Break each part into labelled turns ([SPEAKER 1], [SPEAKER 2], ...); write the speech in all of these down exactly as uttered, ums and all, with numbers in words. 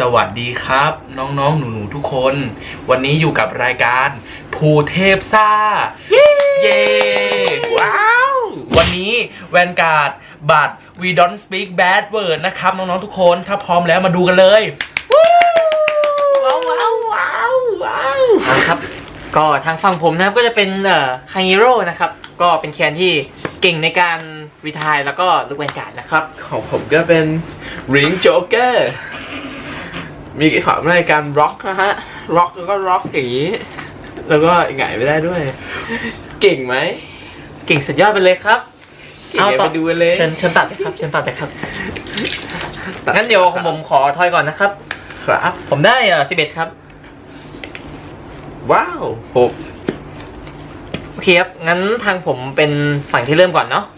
[SPEAKER 1] วัสดีครับน้องๆหนูๆทุกคนวันนี้อยู่กับรายการภูเทพซ่าเย้ว้าววันนี้แวนการ์ดบัตร We Don't Speak Bad Word นะครับน้องๆทุกคนถ้าพร้อมแล้วมาดูกันเลยว้าวว้าวว้าวว้าว
[SPEAKER 2] ครับก็ทางฝั่งผมนะครับก็จะเป็นเอ่อคางฮิโร่นะครับก็เป็นแคนที่เก่งในการรีไทร์แล้วก็ลุกแวนการ์ดนะครับ
[SPEAKER 3] ของผมก็เป็นริงโจ๊กเกอร์มีฝาในการร็อกนะฮะร็อกแล้วก็ร็อกอย่างนี้แล้วก็หงายไม่ได้ด้วยเก่งไหม
[SPEAKER 2] เก่งสุดยอดไปเลยครับ
[SPEAKER 3] เอาต่อไปดูเลย
[SPEAKER 2] เชิญเชิญตัดเลยครับเชิญตัดเลยครับงั้นเดี๋ยวของผมขอทอยก่อนนะครับ
[SPEAKER 3] ครับ
[SPEAKER 2] ผมได้เอ่อสิบเอ็ดครับ
[SPEAKER 3] ว้าวหก
[SPEAKER 2] โอเคครับงั้นทางผมเป็นฝั่งที่เริ่มก่อนเนาะ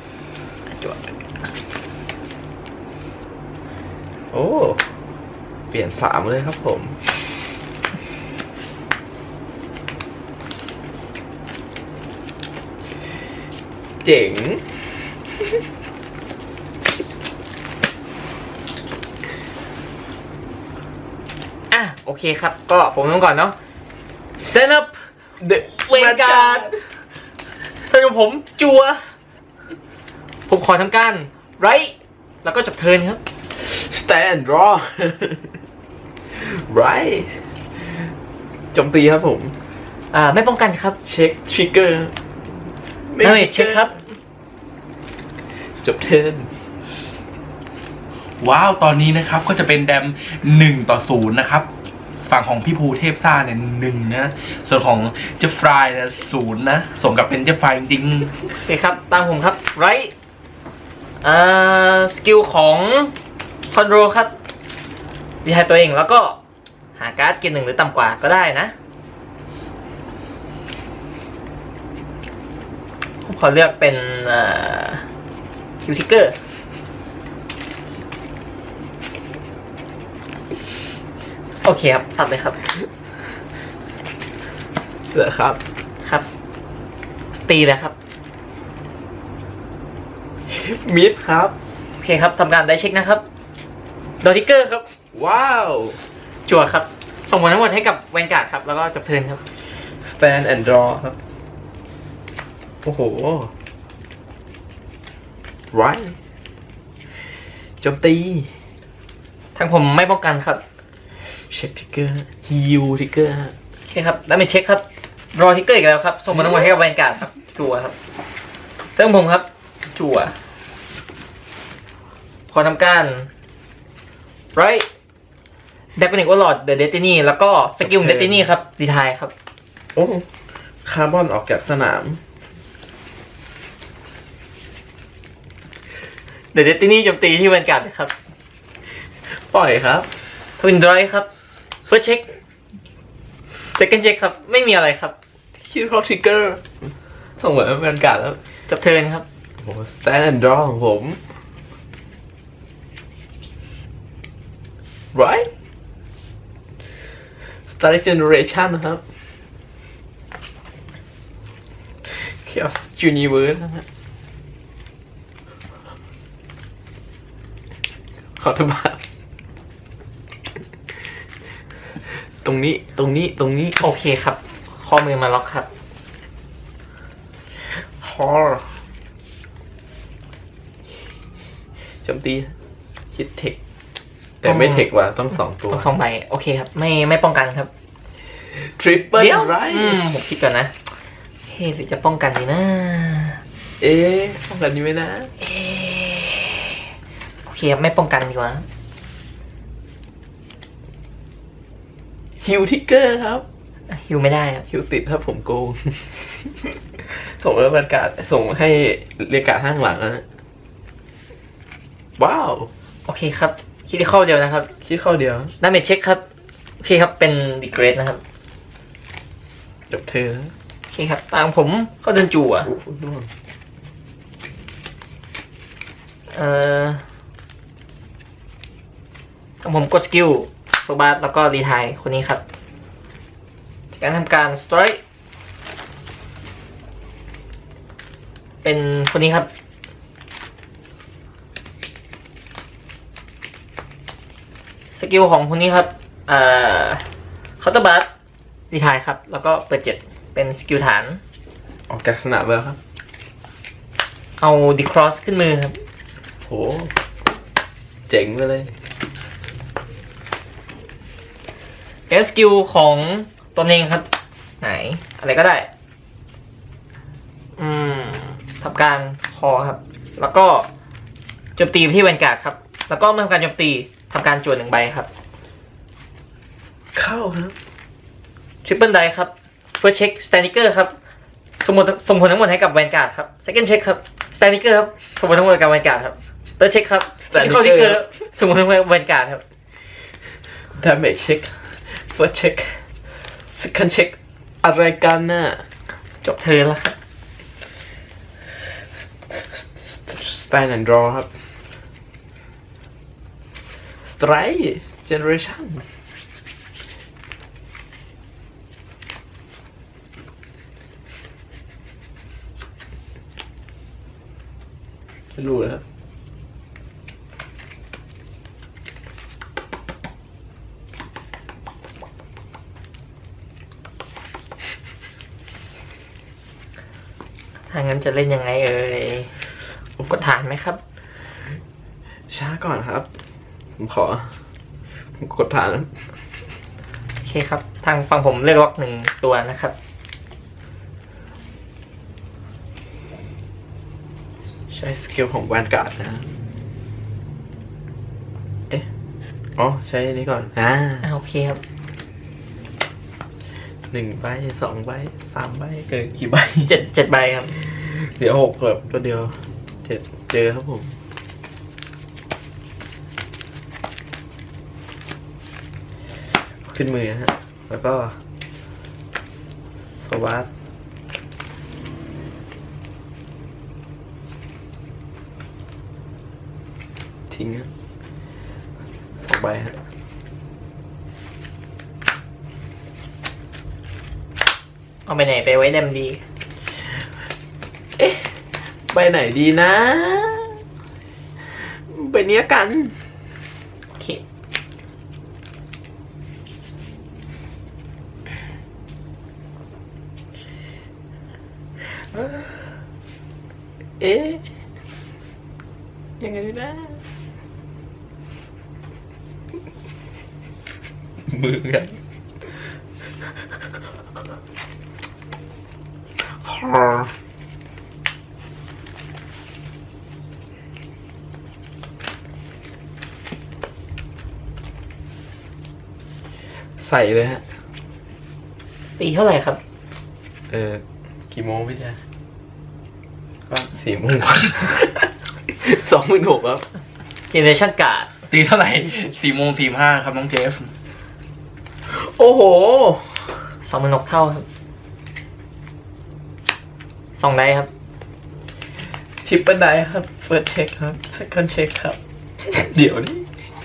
[SPEAKER 3] โอ้เปลี่ยนสามเลยครับผมเจ๋ง
[SPEAKER 2] อ่ะโอเคครับก็ผมเริ่มก่อนเนาะ Stand up
[SPEAKER 3] The
[SPEAKER 2] เวนการ์ดถ้าผมจัวผมขอทำการไรแล้วก็จบเทิร์นครับ
[SPEAKER 3] Stand draw right โจมตีครับผม
[SPEAKER 2] อ่าไม่ป้องกันครับ
[SPEAKER 3] เช็คทริกเกอร์
[SPEAKER 2] ไม่เช็คครับ
[SPEAKER 3] จบเทิร์น
[SPEAKER 1] ว้าวตอนนี้นะครับก็จะเป็นแดมหนึ่งต่อศูนย์นะครับฝั่งของพี่ภูเทพซ่าเนี่ยหนึ่งนะส่วนของเจฟฟรายเนี่ยศูนย์นะสมกับเป็นเจฟฟรายจริง
[SPEAKER 2] ๆโอเคครับตามผมครับไรอ่าสกิลของคอนโดครับดีไฮตัวเองแล้วก็หาการ์ดเกณฑ์หนึ่งหรือต่ำกว่าก็ได้นะผมขอเลือกเป็นคิวทิกเกอร์โอเคครับตัดเลยครับ
[SPEAKER 3] เหรอครับ
[SPEAKER 2] ครับตีเลยครับ
[SPEAKER 3] มิดครับ
[SPEAKER 2] โอเคครับทำการได้เช็คนะครับดอทิกเกอร์ครับ
[SPEAKER 3] ว้าว
[SPEAKER 2] จั่วครับส่งผลทั้งหมดให้กับแวนการ์ดครับแล้วก็จบเทิร์นครับ
[SPEAKER 3] stand and draw ครับโอ้โห right โจมตี
[SPEAKER 2] ทางผมไม่ป้องกันครับ
[SPEAKER 3] เช็คทิกเกอร์ฮิวทิกเกอร์
[SPEAKER 2] โอเคครับแล้วเป็นเช็คครับรอทิกเกอร์อีกแล้วครับส่งผลทั้งหมดให้กับแวนการ์ดครับจั่วครับเติมผมครับจั่วขอทำการไรเดคเนกวอลลอดเดอะเดตินีแล้วก็สกิลเดตินีครับดีไทายครับ
[SPEAKER 3] โอ้คาร์บอนออกจากสนาม
[SPEAKER 2] เดอะเดตินีโจมตีที่แวนการ์ดครับ
[SPEAKER 3] ปล่อยครับ
[SPEAKER 2] ทวินไดรฟ์ครับเฟิร์สเช็คเซคันด์เช็คครับไม่มีอะไรครับ
[SPEAKER 3] คิวท็อปทิกเกอร์ส่งเหมือนแวนการ์ดแล้ว
[SPEAKER 2] จบเทิร์นครับ
[SPEAKER 3] โอ้ stand and draw ของผม right Star Generation นะครับ Chaos Universe นะฮะขอโทษครับตรงนี้ตรงนี้ตรงนี้
[SPEAKER 2] โอเคครับข้อมือมาล็อกครับ
[SPEAKER 3] ฮอร์โจมตีฮิตเทคแต่ไม่เทคว่ะต้องสองตัว
[SPEAKER 2] ต้องสองใบโอเคครับไม่ไม่ป้องกันครับ
[SPEAKER 3] ทริปเปิลไร
[SPEAKER 2] อืมผมคิดก่อนนะเฮ้ยหรือจะป้องกันดีนะ
[SPEAKER 3] เอ๊ะป้องกันดีไหมนะ
[SPEAKER 2] เอโอเคครับไม่ป้องกันดีกว่า
[SPEAKER 3] ฮิวทิกเกอร์ครับ
[SPEAKER 2] ฮิวไม่ได้ครับ
[SPEAKER 3] ฮิวติดครับผมโกงส่งแล้วบรรยากาศส่งให้เรียกการห้างหลังนะว้าว
[SPEAKER 2] โอเคครับคิดเข้าเดียวนะครับ
[SPEAKER 3] คิดเข้าเดียว
[SPEAKER 2] ดาเมจเช็คครับโอเคครับเป็นดีเกรดนะครับ
[SPEAKER 3] จบเธอ
[SPEAKER 2] โอเคครับตามผมเข้าเดินจั่วเอ่อตามผมกดสกิลโซบาร์แล้วก็รีไทร์คนนี้ครับการทำการสไตรค์เป็นคนนี้ครับ สกิลของคนนี้ครับเอ่อเคาน์เตอร์บัสรีทายครับ แล้วก็เปิดเจ็ดเป็นสกิลฐาน
[SPEAKER 3] ออกจากสนามแล้วครับ
[SPEAKER 2] เอาดีครอสขึ้นมือครับ
[SPEAKER 3] โหเจ๋งไปเลย
[SPEAKER 2] เอสกิลของตนเองครับ ไหน อะไรก็ได้ อืมทำการคอครับ แล้วก็โจมตีไปที่แวนการ์ดครับ แล้วก็เมื่อทำการโจมตีทำการจวนหนึ่งใบครับ
[SPEAKER 3] เข้าครับ
[SPEAKER 2] ทริปเปิลไดครับเฟิร์สเช็คสแตนิเกอร์ครับสมมติสมผลทั้งหมดให้กับแวนการ์ดครับเซคันด์เช็คครับสแตนิเกอร์ครับสมผลทั้งหมดกับแวนการ์ดครับเติร์ดเช็คครับ
[SPEAKER 3] Staniker
[SPEAKER 2] เข้าทิกเกอร์สมผลทั้งหมดกับแวนการ์ดครับ
[SPEAKER 3] damage check first check second check อะไรกันน่ะ
[SPEAKER 2] จบเทิร์นแล้วครับ
[SPEAKER 3] stand and draw ครับ strike generation ไม่รู้นะครับ
[SPEAKER 2] ถ้างั้นจะเล่นยังไงเอ่ยกดฐานไหมครับ
[SPEAKER 3] ช้าก่อนครับ ผมขอผมกดผ่านนะ
[SPEAKER 2] โอเคครับ ทางฝั่งผมเลือกล็อกหนึ่งตัวนะครับ
[SPEAKER 3] ใช้สกิลของแวนการ์ดนะ เอ๊ะ อ๋อ ใช้อันนี้ก่อน อ่า
[SPEAKER 2] อ่าโอเคครับ
[SPEAKER 3] หนึ่งใบสองใบสามใบเกินกี่ใบ
[SPEAKER 2] เจ็ดเจ็ดใบครับ
[SPEAKER 3] เดี๋ยวหกแบบตัวเดียวเจ็ดเจอครับผม ขึ้นมือฮะ แล้วก็สวัสดทิ้งฮะสองใบฮะ
[SPEAKER 2] เอาไปไหนไปไว้เดมดี
[SPEAKER 3] เอ๊ะ ไปไหนดีนะ ไปเนี้ยกัน
[SPEAKER 2] โอเค
[SPEAKER 3] เอ๊ะ ยังไงนะ มือกันใส่เลยฮะ
[SPEAKER 2] ตีเท่าไหร่ครับ
[SPEAKER 3] เออ กี่โมงพี่เดียก็สี่โมง สองหมื่นหกครับ
[SPEAKER 2] เจเนเรชั่นการ์ด
[SPEAKER 1] ตีเท่าไหร่สี่โมงสี่ห้าครับน้องเจฟ
[SPEAKER 3] โอ้โห
[SPEAKER 2] สองหมื่นหกเท่าครับสองไดครับ
[SPEAKER 3] ทิปเปิลไดครับ เปิดเช็คครับ second check ครับ เดี๋ยวนี้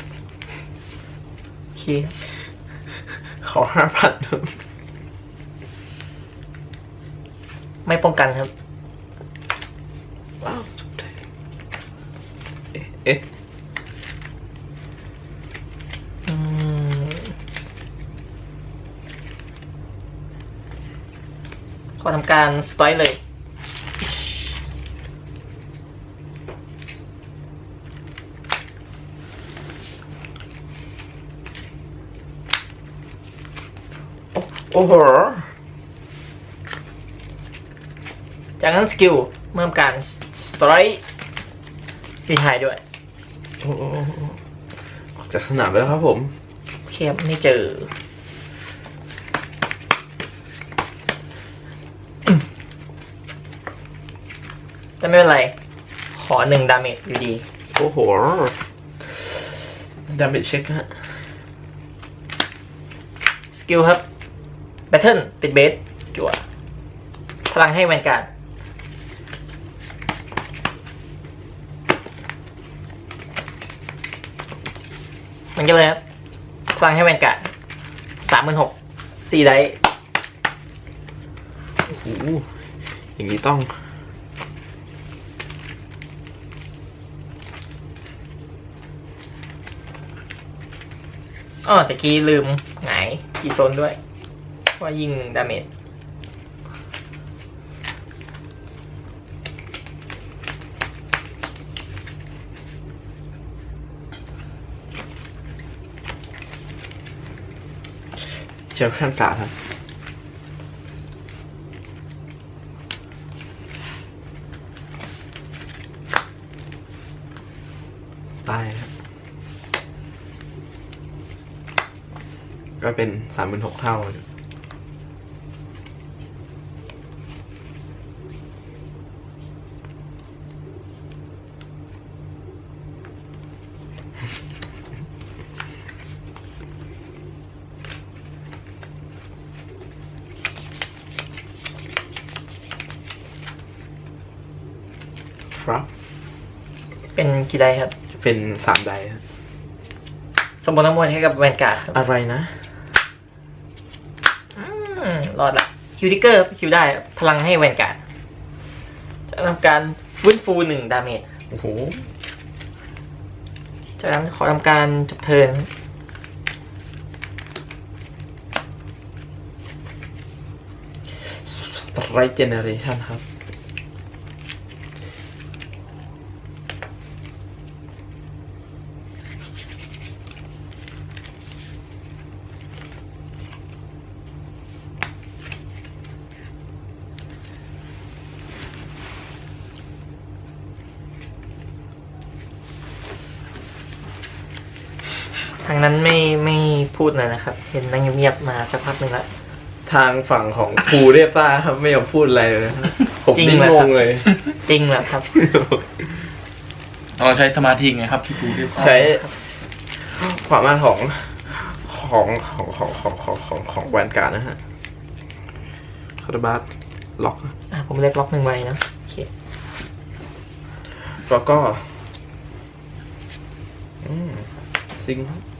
[SPEAKER 2] โอเค
[SPEAKER 3] ขอห้าพันครับ
[SPEAKER 2] ไม่ป้องกันครับ
[SPEAKER 3] ว้าวจบเลยเอ๊ะเอ๊ะ
[SPEAKER 2] อืมขอทำการสไตร์เลย
[SPEAKER 3] โอ้โห
[SPEAKER 2] จากนั้นสกิลเมื่อทำการสไตร์รีไทายด้วย
[SPEAKER 3] โอ้โหออกจากสนามไปแล้วครับผม
[SPEAKER 2] โอเคครับไม่เจอ แต่ไม่เป็นไร ขอหนึ่งดาเมจอยู่ดี
[SPEAKER 3] โอ้โห ดาเมจเช็คฮะ
[SPEAKER 2] สกิลครับแบทเทิลติดเบสจั่วพลังให้แวนการ์ดมันก็เลยครับพลังให้แวนการ์ดสามหมื่นหกสี่ได
[SPEAKER 3] โอ้โห อย่างนี้ต้อง
[SPEAKER 2] โอ๋อตะกี้ลืมหงายกีโซนด้วยว่ายิงดาเมจ
[SPEAKER 3] เชฟชั่นการ์ดครับตายครับก็เป็นสามหมื่นหกเท่า ครับ
[SPEAKER 2] เป็นกี่ไดครับ
[SPEAKER 3] จะเป็นสามไดครับ
[SPEAKER 2] สมบูรณ์ทั้งหมดให้กับแวนการ์ดครับ
[SPEAKER 3] อะไรนะ
[SPEAKER 2] อืมรอดละคิวทิกเกอร์คิวได้พลังให้แวนการ์ดจะทำการฟื้นฟูหนึ่งดาเมจ
[SPEAKER 3] โอ้โห
[SPEAKER 2] จากนั้นขอทำการจบเทิร์น
[SPEAKER 3] สไตรเจเนเรชันครับ
[SPEAKER 2] ทางนั้นไม่ไม่พูดเลยนะครับ เห็นนั่งเงียบๆมาสักพักหนึ่งแล้ว
[SPEAKER 3] ทางฝั่งของครูเรียบซ่าครับไม่ยอมพูดอะไรเลยนะครับผม
[SPEAKER 2] จริง
[SPEAKER 3] นิ่ง
[SPEAKER 2] เหรอ
[SPEAKER 3] ง
[SPEAKER 2] ครับ
[SPEAKER 3] งเลย
[SPEAKER 2] จริงเหรอครับ
[SPEAKER 1] เราใช้สมาธิไงครับที่ปูเรียบ
[SPEAKER 3] ใช้ความมากของของของของของของของของแวนการ์ดนะฮะคาร์บัสล็อก
[SPEAKER 2] อ่ะผมเล็กล็อกหนึ่งใบนะโอเค
[SPEAKER 3] แล้วก็อืมซิงค์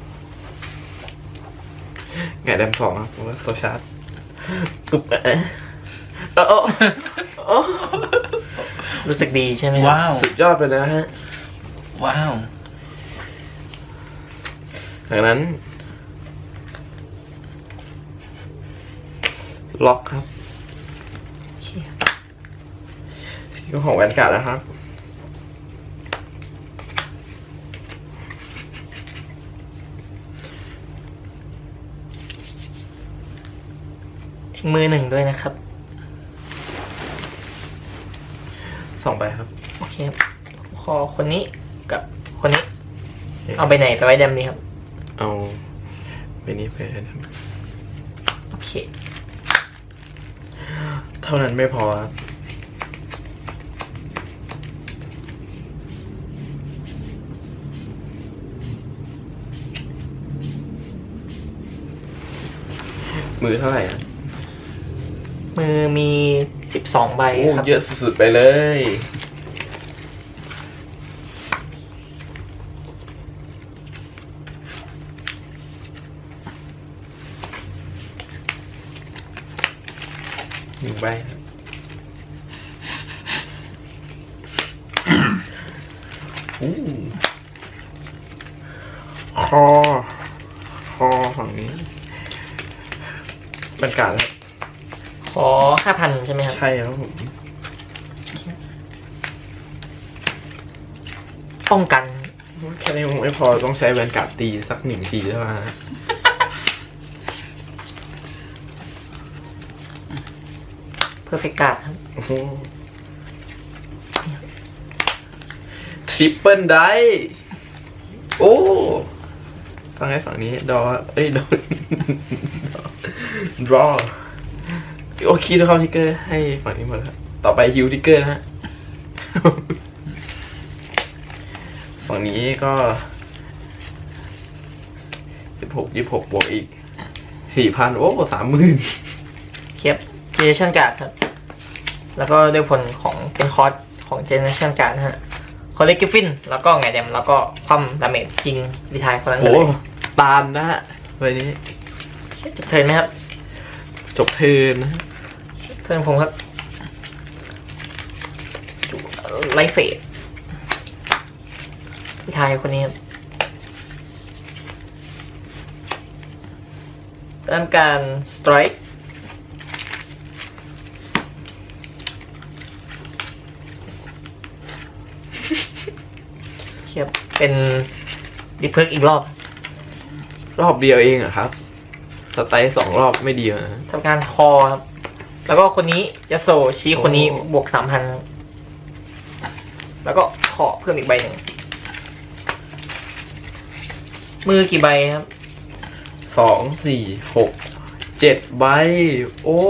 [SPEAKER 3] ไงแดมสองครับผมว่าโซชาร์ดปุ๊บเอ๊ะเออเออเออ
[SPEAKER 2] รู้สึกดีใช่ไหมครับ
[SPEAKER 1] ว้าว
[SPEAKER 3] สุดยอดไปนะฮะ
[SPEAKER 1] ว้าว
[SPEAKER 3] จากนั้น ล็อกครับ
[SPEAKER 2] โอเค
[SPEAKER 3] สกิลของแวนการ์ดนะครับ
[SPEAKER 2] ทิ้งมือหนึ่งด้วยนะครับ
[SPEAKER 3] สองใบครับ
[SPEAKER 2] โอเคครับขอคนนี้กับคนนี้ เอาไปไหนไปไว้แดมนี้ครับ
[SPEAKER 3] เอาไปนี้ไปนะครับ
[SPEAKER 2] โอเค
[SPEAKER 3] เท่านั้นไม่พอครับมือเท่าไหร่อ่ะ
[SPEAKER 2] มือมีสิบสองใบ
[SPEAKER 3] โอ้
[SPEAKER 2] ครับ
[SPEAKER 3] เยอะสุดๆไปเลย หนึ่งใบครับอู้คอ คอฝั่งนี้บรรยากาศครับ
[SPEAKER 2] ขอห้าพันใช่ไหมครับ
[SPEAKER 3] ใช่ครับผม
[SPEAKER 2] ป้องกัน
[SPEAKER 3] แค่นี้คงไม่พอต้องใช้แวนการ์ดตีสักหนึ่งทีเท่านั้นนะ
[SPEAKER 2] เพอร์เฟกต์การ์ดครับ
[SPEAKER 3] โอ้โหทริปเปิลได้โอ้ฟังให้ฝั่งนี้ดอเอ้ยดอ ดรอโอเคทุกคนทิกเกอร์ให้ฝั่งนี้หมดแล้วต่อไปฮิวทิกเกอร์นะฮะ ฝั่งนี้ก็สิบหกยี่สิบหกบวกอีกสี่พันโอ้สามหมื่น
[SPEAKER 2] เคียบเจเนเรชั่นการ์ดครับ แล้วก็ด้วยผลของเป็นคอร์สของเจเนเรชั่นการ์ดนะฮะคอลเลกกิฟฟิน แล้วก็ไงแดม แล้วก็คว่ำดาเมจจริงรีไทายคนนั้น
[SPEAKER 3] โอ้
[SPEAKER 2] เลย
[SPEAKER 3] ตามนะฮะวันนี้
[SPEAKER 2] จบเทิร์นไหมครับ
[SPEAKER 3] จบเทิร์นนะฮะ
[SPEAKER 2] เทิร์นผมครับไลฟ์เฟสรีไทายคนนี้ครับทำการสไตรค์เทียบเป็นดิเพิร์กอีกรอบ
[SPEAKER 3] รอบเดียวเองเหรอะครับ สไตล์สองรอบไม่ดีเหรอ
[SPEAKER 2] ทำการคอครับ แล้วก็คนนี้ยาโซชี้คนนี้
[SPEAKER 3] โอ้
[SPEAKER 2] บวกสามพันแล้วก็ขอเพิ่มอีกใบหนึ่งมือกี่ใบครับ
[SPEAKER 3] สองสี่หกเจ็ดใบ โอ้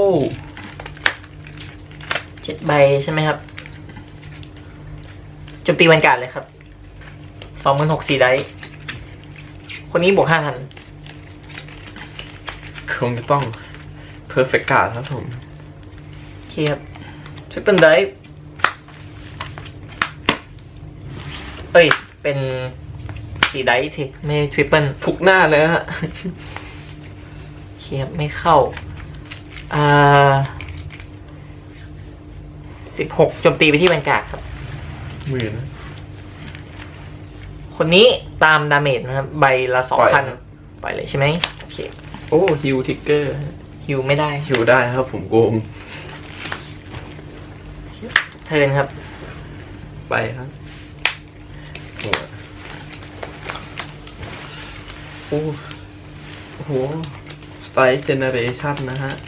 [SPEAKER 2] เจ็ดใบใช่ไหมครับโจมตีวันการดเลยครับสองหมื่นหกสี่ได้คนนี้บวกห้าพัน
[SPEAKER 3] คงจะต้อง perfect card ครับผม
[SPEAKER 2] โอเคครับทริปเปิลได้เอ้ย เป็นสี่ได้ทีไม่ทริปเปิล
[SPEAKER 3] ทุกหน้าเลยฮะ
[SPEAKER 2] โอเคครับไม่เข้า อ่าสิบหกโจมตีไปที่แวนการ์ดครับ
[SPEAKER 3] หมื่นนะ
[SPEAKER 2] คนนี้ตามดาเมจนะครับ ใบละสอง
[SPEAKER 3] ปล่
[SPEAKER 2] พั
[SPEAKER 3] อน ย
[SPEAKER 2] ปล่อยเลยใช่ไหมโอเค
[SPEAKER 3] โอ้ฮิวทิกเกอร์
[SPEAKER 2] ฮิวไม่ได้
[SPEAKER 3] ฮิวได้ครับผมโกง
[SPEAKER 2] เทิร์นครับ
[SPEAKER 3] ไปครับโอ้โอ้โอ้โหสไตล์เจเนเรชันนะฮะ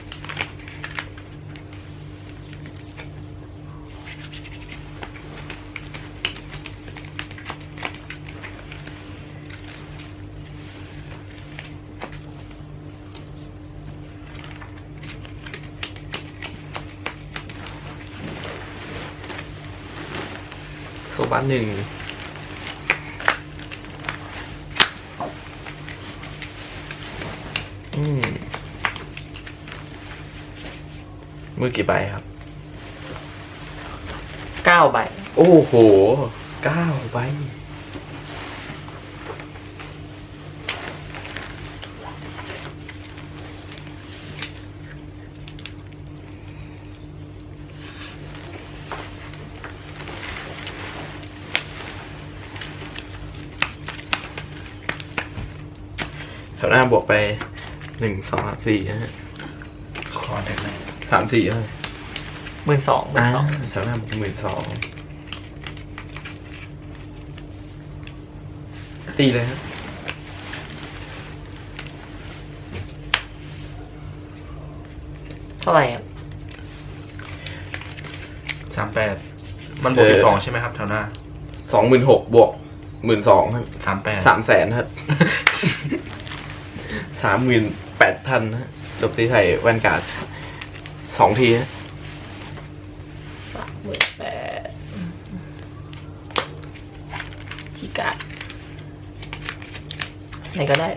[SPEAKER 3] โซบัสหนึ่งอืมมือกี่ใบครับ
[SPEAKER 2] เก้าใบ
[SPEAKER 3] โอ้โหเก้าใบ แถวหน้าบวกไปหนึ่งสองสามสี่นะฮะ
[SPEAKER 1] ขอได้ไหม
[SPEAKER 3] สามสี่เลย
[SPEAKER 2] หมื่นสองหมื่
[SPEAKER 3] อ่าน
[SPEAKER 2] สอง
[SPEAKER 3] แถวหน้าบวกหมื่นสองตีเลยฮะ
[SPEAKER 2] เท่าไหร่ครับ
[SPEAKER 1] สามแปดมันบวกสิบสองใช่ไหมครับแถวหน้า
[SPEAKER 3] สองหมื่นหกบวกหมื่นสองครับ
[SPEAKER 1] สามแปด
[SPEAKER 3] สามแสนครับ สามหมื่นแปดพันฮะจบตีไทยแวนการ์ดสองทีฮะ
[SPEAKER 2] สามหมื่นแปดจิกะไหนก็ได้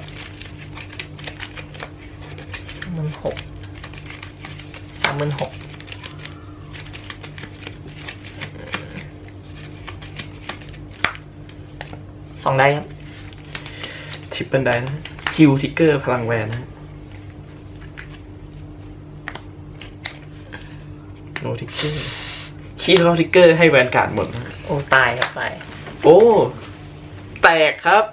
[SPEAKER 2] สามหมื่นหกสามหมื่นหกสองได้ครับ
[SPEAKER 3] ทริปเปิลได้นะคิวทิกเกอร์พลังแวนนะโนทิกเกอร์คีย์โนทิกเกอร์ให้แวนการ์ดหมดนะ
[SPEAKER 2] โอ้ตายครับตาย
[SPEAKER 3] โอ้ แตกครับ